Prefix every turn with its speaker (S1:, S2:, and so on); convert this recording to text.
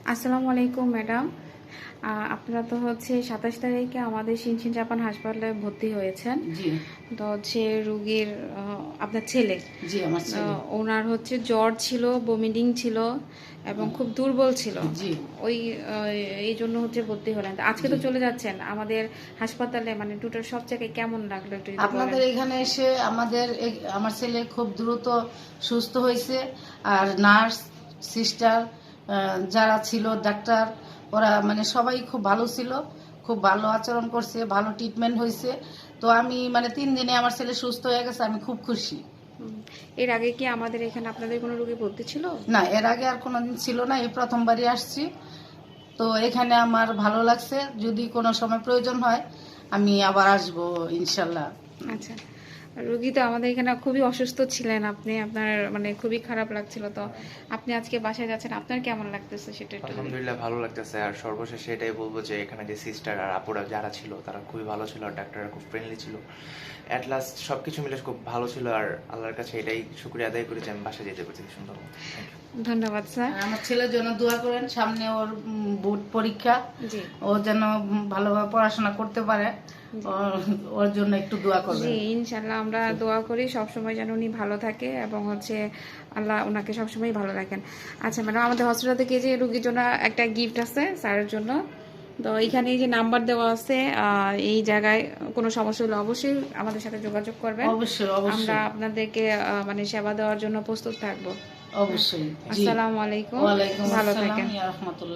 S1: আসসালামু আলাইকুম ম্যাডাম। আপনারা তো হচ্ছে 27 তারিখে আমাদের শিনশিন জাপান হাসপাতালে ভর্তি হয়েছেন।
S2: জি
S1: তো হচ্ছে রুগীর আপনার ছেলে,
S2: জি আমার ছেলে।
S1: ওনার হচ্ছে জ্বর ছিল, বমিটিং ছিল এবং খুব দুর্বল ছিল।
S2: জি
S1: ওই এই জন্য হচ্ছে ভর্তি হলেন। তো আজকে তো চলে যাচ্ছেন আমাদের হাসপাতালে, মানে টোটাল সব জায়গায় কেমন লাগলো একটু যদি বলেন।
S2: আপনাদের এখানে এসে আমার ছেলে খুব দ্রুত সুস্থ হয়েছে। আর নার্স, সিস্টার যারা ছিল, ডাক্তার, ওরা মানে সবাই খুব ভালো ছিল, খুব ভালো আচরণ করছে, ভালো ট্রিটমেন্ট হয়েছে। তো আমি মানে 3 দিনে আমার ছেলে সুস্থ হয়ে গেছে, আমি খুব খুশি।
S1: এর আগে কি আমাদের এখানে আপনাদের কোনো রুগী ভর্তি ছিল?
S2: না, এর আগে আর কোনোদিন ছিল না, এই প্রথমবারই আসছি। তো এখানে আমার ভালো লাগছে, যদি কোনো সময় প্রয়োজন হয় আমি আবার আসবো ইনশাল্লাহ।
S1: আচ্ছা, রুগী তো আমাদের এখানে খুবই অসুস্থ ছিলেন, আপনি আপনার মানে খুবই খারাপ লাগছিল। তো আপনি আজকে বাসায় যাচ্ছেন, আপনার কেমন লাগতেছে সেটা একটু
S3: আলহামদুলিল্লাহ ভালো লাগতেছে। আর সর্বশেষে এটাই বলবো যে এখানে যে সিস্টার আর আপুরা যারা ছিল তারা খুবই ভালো ছিল, আর ডাক্তাররা খুব ফ্রেন্ডলি ছিল। অ্যাট লাস্ট সবকিছু মিলে খুব ভালো ছিল। আর আল্লাহর কাছে এটাই শুকরিয়া আদায় করি যে আমি বাসায় যেতে পারছি সুন্দর।
S1: ধন্যবাদ স্যার।
S2: আর আমার ছেলের জন্য দোয়া করেন, সামনে ওর বোর্ড পরীক্ষা,
S1: জি
S2: ও যেন ভালোভাবে পড়াশোনা করতে পারে, ওর জন্য একটু দোয়া করবেন।
S1: জি ইনশাল্লাহ আমরা দোয়া করি সবসময় যেন উনি ভালো থাকে এবং হচ্ছে আল্লাহ ওনাকে সবসময় ভালো রাখেন। আচ্ছা ম্যাডাম, আমাদের হসপিটাল থেকে যে রুগীর জন্য একটা গিফট আছে স্যারের জন্য। তো এখানে এই যে নাম্বার দেওয়া আছে, এই জায়গায় কোনো সমস্যা হলে অবশ্যই আমাদের সাথে যোগাযোগ করবেন।
S2: অবশ্যই
S1: আমরা
S2: অবশ্যই
S1: আপনাদেরকে মানে সেবা দেওয়ার জন্য প্রস্তুত থাকবো।
S2: অবশ্যই। জি,
S1: আসসালামু আলাইকুম,
S2: ওয়ালাইকুম
S1: ভালো
S2: আসসালাম,
S1: থাকেন।
S2: ইয়া রাহমাতুল্লাহ।